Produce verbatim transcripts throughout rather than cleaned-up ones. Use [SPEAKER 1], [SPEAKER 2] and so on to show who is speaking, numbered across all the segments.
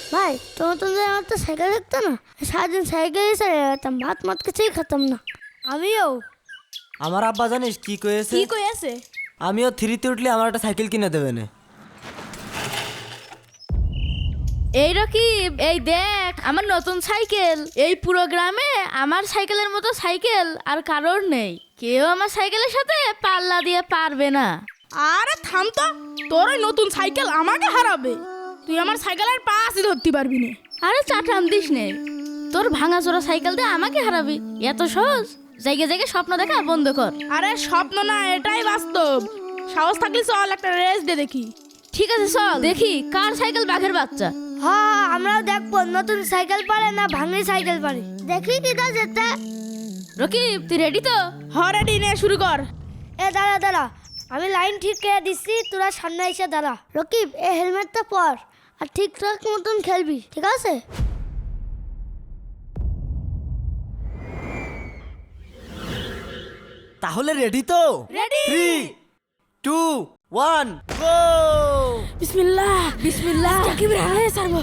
[SPEAKER 1] ভাই তোমার তো যে আমার তো সাইকেল দেখতো না, সারাদিন সাইকেলই চালিয়ে যেতাম, ভাত মাত কিছুই খেতাম না। আমিও
[SPEAKER 2] আমার আব্বা জানিস কি কয়েছে?
[SPEAKER 3] কি কইছে?
[SPEAKER 2] আমিও থ্রিতে উঠলে আমার একটা সাইকেল কিনে দেবে না।
[SPEAKER 3] এই রকিব, এই দেখ আমার নতুন সাইকেল। এই পুরো গ্রামে আমার সাইকেলের মতো সাইকেল আর কারোর নেই। কেউ আমার সাইকেলের সাথে পাল্লা দিয়ে পারবে না।
[SPEAKER 4] আরে থাম তো, তোর ওই নতুন সাইকেল আমাকে হারাবে। তুই আমার সাইকেলের পাশই ধরতে পারবি না।
[SPEAKER 3] আরে চাটাম দিস নে, তোর ভাঙাচোরা সাইকেল দিয়ে আমাকে হারাবি? এত সহজ? জায়গায় জায়গায় স্বপ্ন দেখা বন্ধ কর।
[SPEAKER 4] আরে স্বপ্ন না, এটাই বাস্তব। সাহস থাকলে চল একটা রেস দে দেখি।
[SPEAKER 3] ঠিক আছে চল দেখি কার সাইকেল বাঘের বাচ্চা।
[SPEAKER 1] হ্যাঁ আমরাও দেখবো নতুন সাইকেল পারে না ভাঙি সাইকেল পারে, দেখি কিটা যেতে।
[SPEAKER 3] রকিব তুই রেডি তো?
[SPEAKER 4] হরেডি নে, শুরু কর।
[SPEAKER 1] এ দাঁড়া দাঁড়া, আমি লাইন ঠিক করে দিচ্ছি, তোরা সামনে এসে দাঁড়া। রকিব এই হেলমেটটা পর আর ঠিকঠাক মতন খেলবি, ঠিক আছে?
[SPEAKER 2] তাহলে রেডি তো?
[SPEAKER 4] Ready.
[SPEAKER 2] Three two one go.
[SPEAKER 4] বিসমিল্লাহ বিসমিল্লাহ। সাকিব রে হারাই ছাড়বো।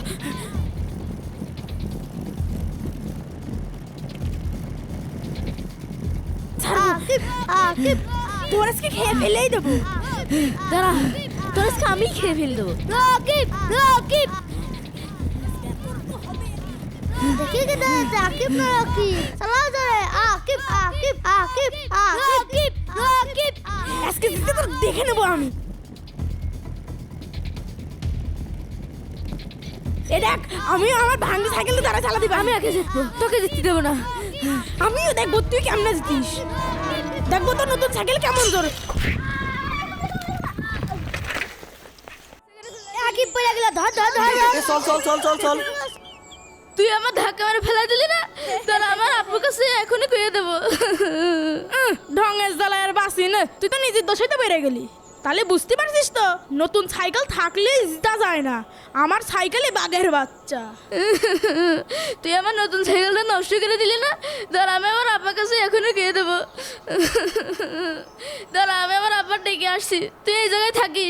[SPEAKER 1] আকিব আকিব
[SPEAKER 4] তোর আজকে খেয়ে ফেলেই দেবো।
[SPEAKER 3] দাঁড়া, তোর আজকে আমি খেয়ে ফেল দেবো।
[SPEAKER 1] রকিব রকিব দেখি কিটা যেতে। আকিব না রকিব, চালাও ধরে। আকিব আকিব আকিব আকিব রকিব।
[SPEAKER 4] আজকে জিতে তোর দেখে নেবো আমি। এ দেখ, আমিও আমার ভাঙি সাইকেল দ্বারা চালা দিবা।
[SPEAKER 3] আমি আগে জিতবো, তোকে জিততে দেবো না।
[SPEAKER 4] আমিও দেখবো তুই কেমনে জিতিস। দেখবো তোর নতুন সাইকেল কেমন তোর।
[SPEAKER 1] আকিব পড়ে গেল, ধর ধর ধর ধর।
[SPEAKER 2] এ, চল চল চল চল চল।
[SPEAKER 3] তুই আমার ধাক্কা মেরে ফেলা দিলি না, তাহলে আমার আপুর কাছে এখনই কইয়ে দেবো।
[SPEAKER 4] উহ, ঢঙের জ্বালায় আর বাঁচি না। তুই তো নিজের দোষেই তো বেড়ে গেলি। তাহলে বুঝতে পারছিস তো, নতুন সাইকেল থাকলে জিতা যায় না। আমার সাইকেলে বাঘের বাচ্চা।
[SPEAKER 3] তুই আমার নতুন সাইকেলটা নষ্ট করে দিলি না, ধর আমি আমার আব্বার কাছে এখনই গিয়ে দেবো। ধর আমি আমার আব্বার ডেকে আসছি, তুই এই জায়গায় থাকিস।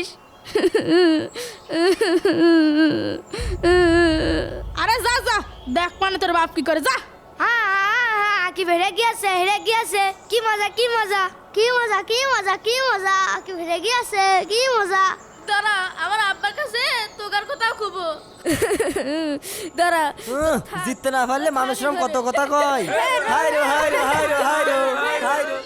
[SPEAKER 4] আরে যা যা, দেখ মানে তোর বাপ কি করে, যা।
[SPEAKER 1] হ্যাঁ হ্যাঁ হ্যাঁ, আকিব হেরে গিয়েছে হেরে গিয়েছে। কি মজা কি মজা কি মজা কি মজা কি মজা। আকিব হেরে গিয়েছে, কি মজা।
[SPEAKER 3] দাঁড়া আমার আব্বার কাছে তোকার কথা খুবো। দাঁড়া,
[SPEAKER 2] উহ, জিততে না পারলে মানুষের কত কথা কয়। হাই রো হাই রো হাই রো হাই রো হাই রো।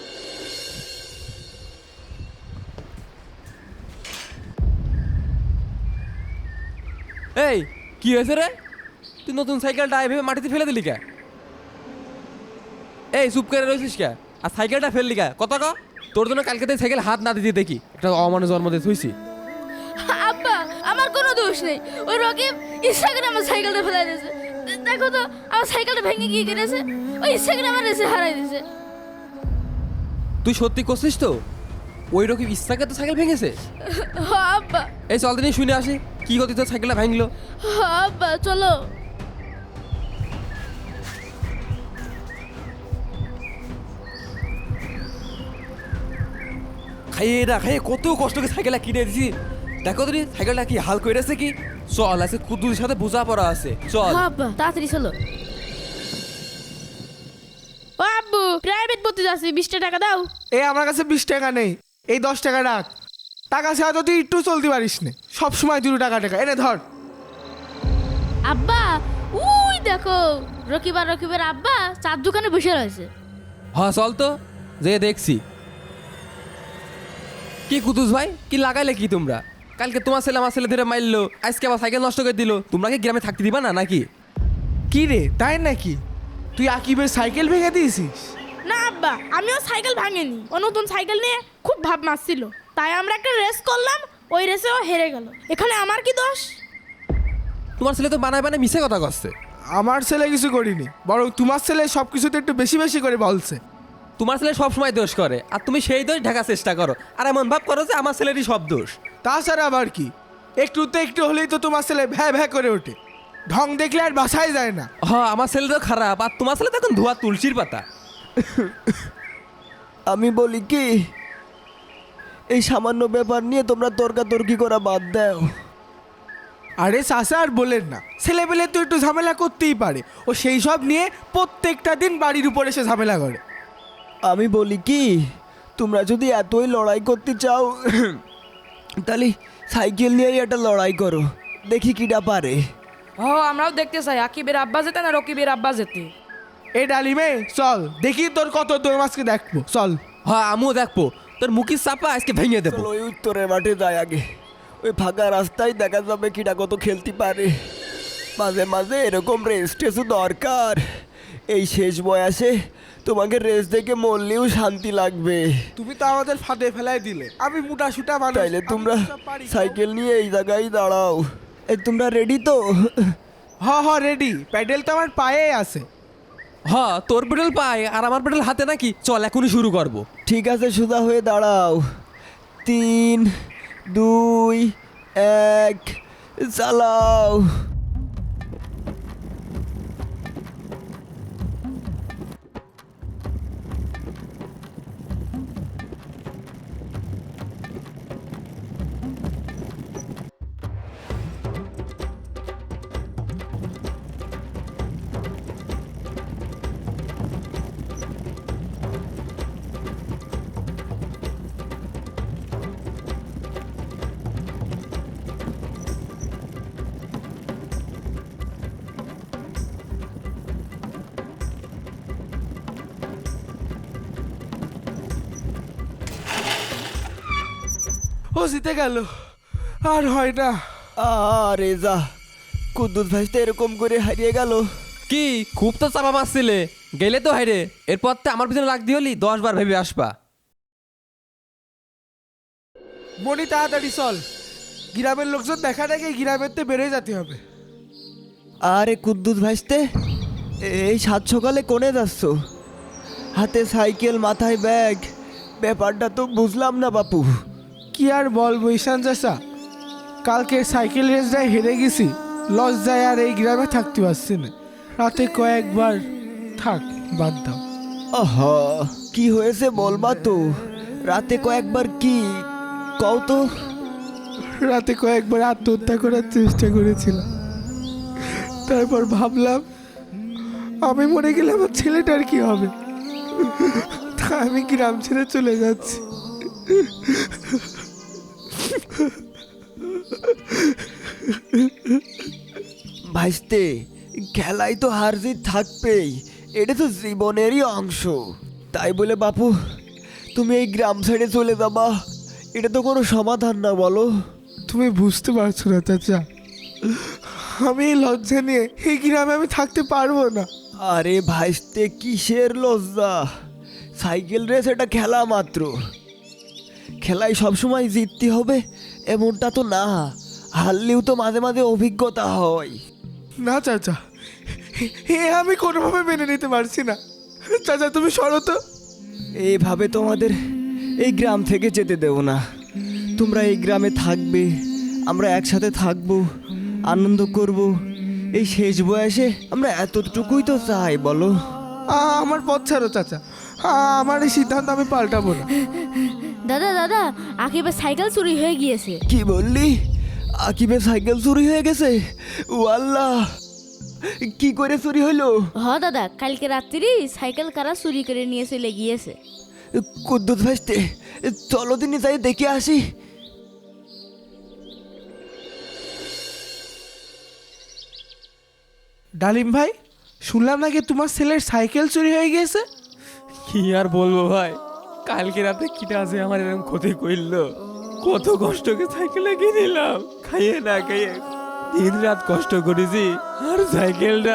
[SPEAKER 5] এই কি হয়েছে রে? তুই নতুন সাইকেলটা এভাবে মাটিতে ফেলে দিলি কে? এই চুপ করে রয়েছিস কে? আর সাইকেলটা ফেললি কে? কত ক? তোর জন্য কালকে তুই সাইকেল হাত না দিতে দেখি একটা অমানুষ জন্ম দিয়ে থুইছি।
[SPEAKER 3] আব্বা আমার কোনো দোষ নেই, ওই রকিব ইচ্ছা করে আমার সাইকেলটা ফেলাই দিয়েছে। দেখো তো আমার সাইকেলটা ভেঙে গিয়ে গেছে, ওই ইচ্ছা করে আমার রেসে হারাই দিয়েছে।
[SPEAKER 5] তুই সত্যি করছিস তো? ওই রকম ইচ্ছাকে তো সাইকেল ভেঙেছে?
[SPEAKER 3] হ্যাঁ আব্বা।
[SPEAKER 5] এই চল দিনই শুনে আসি কি গতি তোর সাইকেলটা ভাঙলো।
[SPEAKER 3] হ্যাঁ আব্বা চলো।
[SPEAKER 5] খাইয়ে না খাইয়ে কত কষ্ট করে সাইকেলটা কিনে দিছি। দেখো তুমি সাইকেলটা কি হাল করেছে কি। চল আছে কুদ্দুর সাথে বোঝা পড়া আছে, চল।
[SPEAKER 3] হ্যাঁ আব্বা তাড়াতাড়ি চলো।
[SPEAKER 4] ও আব্বু, প্রাইভেট পড়তে যাচ্ছি, বিশটা টাকা দাও।
[SPEAKER 6] এই আমার কাছে বিশ টাকা নেই, এই দশ টাকা রাখ। টাকা ছাড়া তো তুই একটু চলতে পারিস না, সব সময় দুটো টাকা টাকা এনে ধর।
[SPEAKER 3] আব্বা উই দেখো রকিব আর রকিবের আব্বা চার দোকানে বসে রয়েছে।
[SPEAKER 5] হ্যাঁ চল তো যে দেখছি। কি কুতুস ভাই কি লাগাইলে কি তোমরা? কালকে তোমার ছেলে আমার ছেলে ধরে মারলো, আজকে আবার সাইকেল নষ্ট করে দিল। তোমরা কি গ্রামে থাকতে দিবা না নাকি?
[SPEAKER 6] কি রে তাই নাকি? তুই আকিবের সাইকেল ভেঙে দিয়েছিস?
[SPEAKER 4] না আব্বা, আমিও সাইকেল ভাঙিনি। ও নতুন সাইকেল নিয়ে খুব ভাব মারছিল, তাই আমরা একটা রেস করলাম, ওই রেসে ও হেরে গেল। এখানে আমার কি দোষ?
[SPEAKER 5] তোমার ছেলে তো বানায় বানায় মিশে কথা করছে।
[SPEAKER 6] আমার ছেলে কিছু করিনি, বরং তোমার ছেলে সব কিছুতে একটু বেশি বেশি করে বলছে।
[SPEAKER 5] তোমার ছেলে সব সময় দোষ করে আর তুমি সেই দোষ ঢাকার চেষ্টা করো, আর এমন ভাব করো যে আমার ছেলেরই সব দোষ।
[SPEAKER 6] তাছাড়া আবার কি, একটু তো একটু হলেই তো তোমার ছেলে ভ্যা ভ্যা করে ওঠে। ঢং দেখলে আর বাসায় যায় না।
[SPEAKER 5] হ্যাঁ আমার ছেলে তো খারাপ, আর তোমার ছেলে তো এখন ধোয়া তুলসীর পাতা।
[SPEAKER 2] আমি বলি কি, এই সামান্য ব্যাপার নিয়ে তোমরা তর্কাতর্কি করা বাদ দাও।
[SPEAKER 6] আরে চাচা আর বলেন না, ছেলেপেলে তো একটু ঝামেলা করতেই পারে, ও সেই সব নিয়ে প্রত্যেকটা দিন বাড়ির উপরে এসে ঝামেলা করে।
[SPEAKER 2] আমি বলি কি, তোমরা যদি এতই লড়াই করতে চাও তাহলে সাইকেল নিয়েই একটা লড়াই করো, দেখি কিটা পারে।
[SPEAKER 7] ও আমরাও দেখতে চাই আকিবের আব্বা যেতে না রকিবের আব্বা যেতে।
[SPEAKER 6] এ ডালিমে চল দেখি তোর কত তোর মাছকে দেখবো, চল।
[SPEAKER 5] হ্যাঁ আমিও দেখবো তোর মুখের চাপা আজকে ভেঙে দেবো।
[SPEAKER 2] চলো ওই উত্তরের মাঠে যাই আগে, ওই ফাঁকা রাস্তায় দেখা যাবে কিটা কত খেলতে পারে। মাঝে মাঝে এরকম রেস্ট টেস্টও দরকার, এই শেষ বয়সে তোমাকে রেস্ট দেখে মরলেও শান্তি লাগবে।
[SPEAKER 6] তুমি তো আমাদের ফাঁদে ফেলাই দিলে, আমি মোটা সুটা মানুষ,
[SPEAKER 2] তাইলে
[SPEAKER 6] আমি
[SPEAKER 2] তোমরা
[SPEAKER 6] সব পারি।
[SPEAKER 2] সাইকেল নিয়ে এই জায়গায় দাঁড়াও। এই তোমরা রেডি তো?
[SPEAKER 6] হ হ রেডি, প্যাডেল তো আমার পায়ে আছে।
[SPEAKER 5] হ্যাঁ তোর পেডেল পায় আর আমার পেডেল হাতে নাকি, চল এখনই শুরু করবো।
[SPEAKER 2] ঠিক আছে, সোজা হয়ে দাঁড়াও। তিন দুই এক চালাও।
[SPEAKER 6] ও জিতে গেল, আর হয় না।
[SPEAKER 2] আরে যা, কুদ্দুস ভাই তো এরকম করে হারিয়ে গেল।
[SPEAKER 5] কি খুব তো চাপা মারছিলে, গেলে তো হাইরে, এরপর তো আমার পিছনে লাগতে হলি দশ বার ভেবে আসবা।
[SPEAKER 6] মনি তাড়াতাড়ি চল, গ্রামের লোকজন দেখা দেখে গ্রামের তো বেরোয় যেতে হবে।
[SPEAKER 2] আরে কুদ্দুস ভাইস্তে, এই সাত সকালে কোনে যাচ্ছ? হাতে সাইকেল, মাথায় ব্যাগ, ব্যাপারটা তো বুঝলাম না বাপু।
[SPEAKER 6] কি আর বলবো ঈশান চাচা, কালকে সাইকেল রেসটায় হেরে গেছি, লজ্জায় আর এই গ্রামে থাকতে পারছি না। রাতে কয়েকবার থাক, বাদ দাও।
[SPEAKER 2] আহা, কি হয়েছে বলবা তো? রাতে কয়েকবার কি কও তো?
[SPEAKER 6] রাতে কয়েকবার আত্মহত্যা করার চেষ্টা করেছিলাম, তারপর ভাবলাম আমি মরে গেলে আমার ছেলেটার কি হবে, তা আমি গ্রাম ছেড়ে চলে যাচ্ছি।
[SPEAKER 2] ভাইস্তে, খেলায় তো হার জিত থাকবেই, এটা তো জীবনেরই অংশ। তাই বলে বাপু তুমি এই গ্রাম ছেড়ে চলে যাবা, এটা তো কোনো সমাধান না, বলো?
[SPEAKER 6] তুমি বুঝতে পারছো না চাচা, আমি এই লজ্জা নিয়ে এই গ্রামে আমি থাকতে পারবো না।
[SPEAKER 2] আরে ভাইস্তে, কিসের লজ্জা? সাইকেল রেস এটা খেলা মাত্র, খেলায় সবসময় জিততে হবে এমনটা তো না, হারলেও তো মাঝে মাঝে অভিজ্ঞতা হয়।
[SPEAKER 6] না চাচা, এ আমি কোনোভাবে মেনে নিতে পারছি না। চাচা তুমি সরো তো।
[SPEAKER 2] এইভাবে তোমাদের এই গ্রাম থেকে যেতে দেব না, তোমরা এই গ্রামে থাকবে, আমরা একসাথে থাকবো, আনন্দ করব। এই শেষ বয়সে আমরা এতটুকুই তো চাই, বলো?
[SPEAKER 6] আ- আমার পথ ছাড়ো চাচা, আ- আমার এই সিদ্ধান্ত আমি পাল্টাবো না।
[SPEAKER 3] দাদা দাদা আকিবের সাইকেল চুরি হয়ে গিয়েছে।
[SPEAKER 2] কি বললি? আকিবের সাইকেল চুরি হয়ে গেছে? ও আল্লাহ, কি করে চুরি হইলো?
[SPEAKER 3] হ দাদা, কালকে রাত্রি সাইকেল কারা চুরি করে নিয়ে চলে গিয়েছে।
[SPEAKER 2] কুদ্দুস ভাইস্তে, চলো দিনে যাই দেখে আসি।
[SPEAKER 6] ডালিম ভাই, শুনলাম নাকি তোমার ছেলের সাইকেল চুরি হয়ে গিয়েছে।
[SPEAKER 5] কি আর বলবো ভাই, কালকে রাতে কিটা আছে আমার এরকম ক্ষতি করলো, কত কষ্ট করে সাইকেলে কিনিলাম, খাইয়ে না খাইয়ে দিন রাত কষ্ট করেছি, আর সাইকেলটা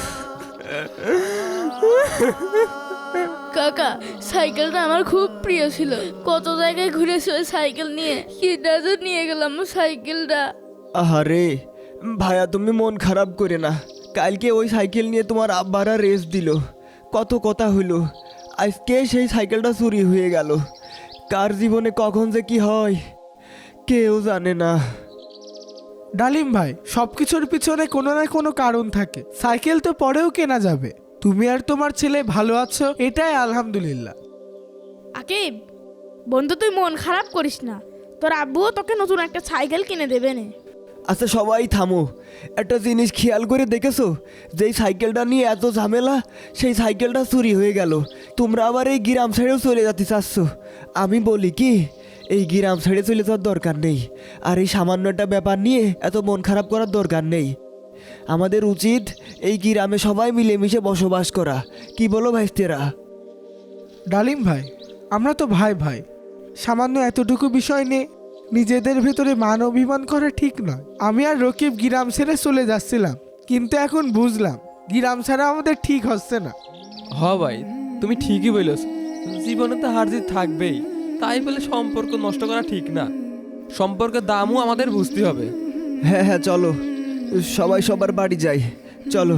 [SPEAKER 3] কাকা সাইকেলটা আমার খুব প্রিয় ছিল, কত জায়গায় ঘুরেছি ওই সাইকেল নিয়ে, কিটা যে নিয়ে গেলাম সাইকেলটা।
[SPEAKER 2] আহারে ভাইয়া, তুমি মন খারাপ করে না, কালকে ওই সাইকেল নিয়ে তোমার আব্বারা রেস দিল, কত কথা হইলো, আজকে সেই সাইকেলটা চুরি হয়ে গেল। কার জীবনে কখন যে কি হয় কেউ জানে না।
[SPEAKER 6] ডালিম ভাই, সব কিছুর পিছনে কোনো না কোনো কারণ থাকে, সাইকেল তো পরেও কেনা যাবে। তুমি আর তোমার ছেলে ভালো আছো, এটাই আলহামদুলিল্লাহ।
[SPEAKER 4] আকিব বন্ধু, তুই মন খারাপ করিস না, তোর আব্বুও তোকে নতুন একটা সাইকেল কিনে দেবে নে।
[SPEAKER 2] আচ্ছা সবাই থামো, একটা জিনিস খেয়াল করে দেখেছো, যেই সাইকেলটা নিয়ে এত ঝামেলা সেই সাইকেলটা চুরি হয়ে গেল। তোমরা আবার এই গ্রাম ছেড়েও চলে যেতে চাচ্ছ। আমি বলি কি, এই গ্রাম ছেড়ে চলে যাওয়ার দরকার নেই, আর এই সামান্য একটা ব্যাপার নিয়ে এত মন খারাপ করার দরকার নেই। আমাদের উচিত এই গ্রামে সবাই মিলেমিশে বসবাস করা। কি বলো ভাইস্তেরা?
[SPEAKER 6] ডালিম ভাই, আমরা তো ভাই ভাই, সামান্য এতটুকু বিষয় নিয়ে নিজেদের ভেতরে মান অভিমান করা ঠিক নয়। আমি আর রকিব গ্রাম ছেড়ে চলে যাচ্ছিলাম, কিন্তু এখন বুঝলাম গ্রাম ছাড়া আমাদের ঠিক হচ্ছে না।
[SPEAKER 5] হ ভাই, তুমি ঠিকই বলেছ, জীবনে তো হার জিত থাকবেই, তাই বলে সম্পর্ক নষ্ট করা ঠিক না। সম্পর্কের দামও আমাদের বুঝতে হবে।
[SPEAKER 2] হ্যাঁ হ্যাঁ চলো, সবাই সবার বাড়ি যাই, চলো।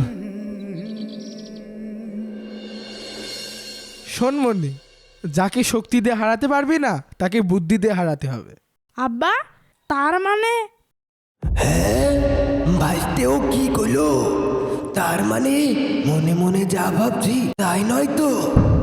[SPEAKER 6] শোন মনি, যাকে শক্তি দিয়ে হারাতে পারবি না তাকে বুদ্ধি দিয়ে হারাতে হবে।
[SPEAKER 4] আব্বা, তার মানে
[SPEAKER 2] ভাইস্তেও কি কইলো? তার মানে মনে মনে যা ভাবছি তাই নয় তো?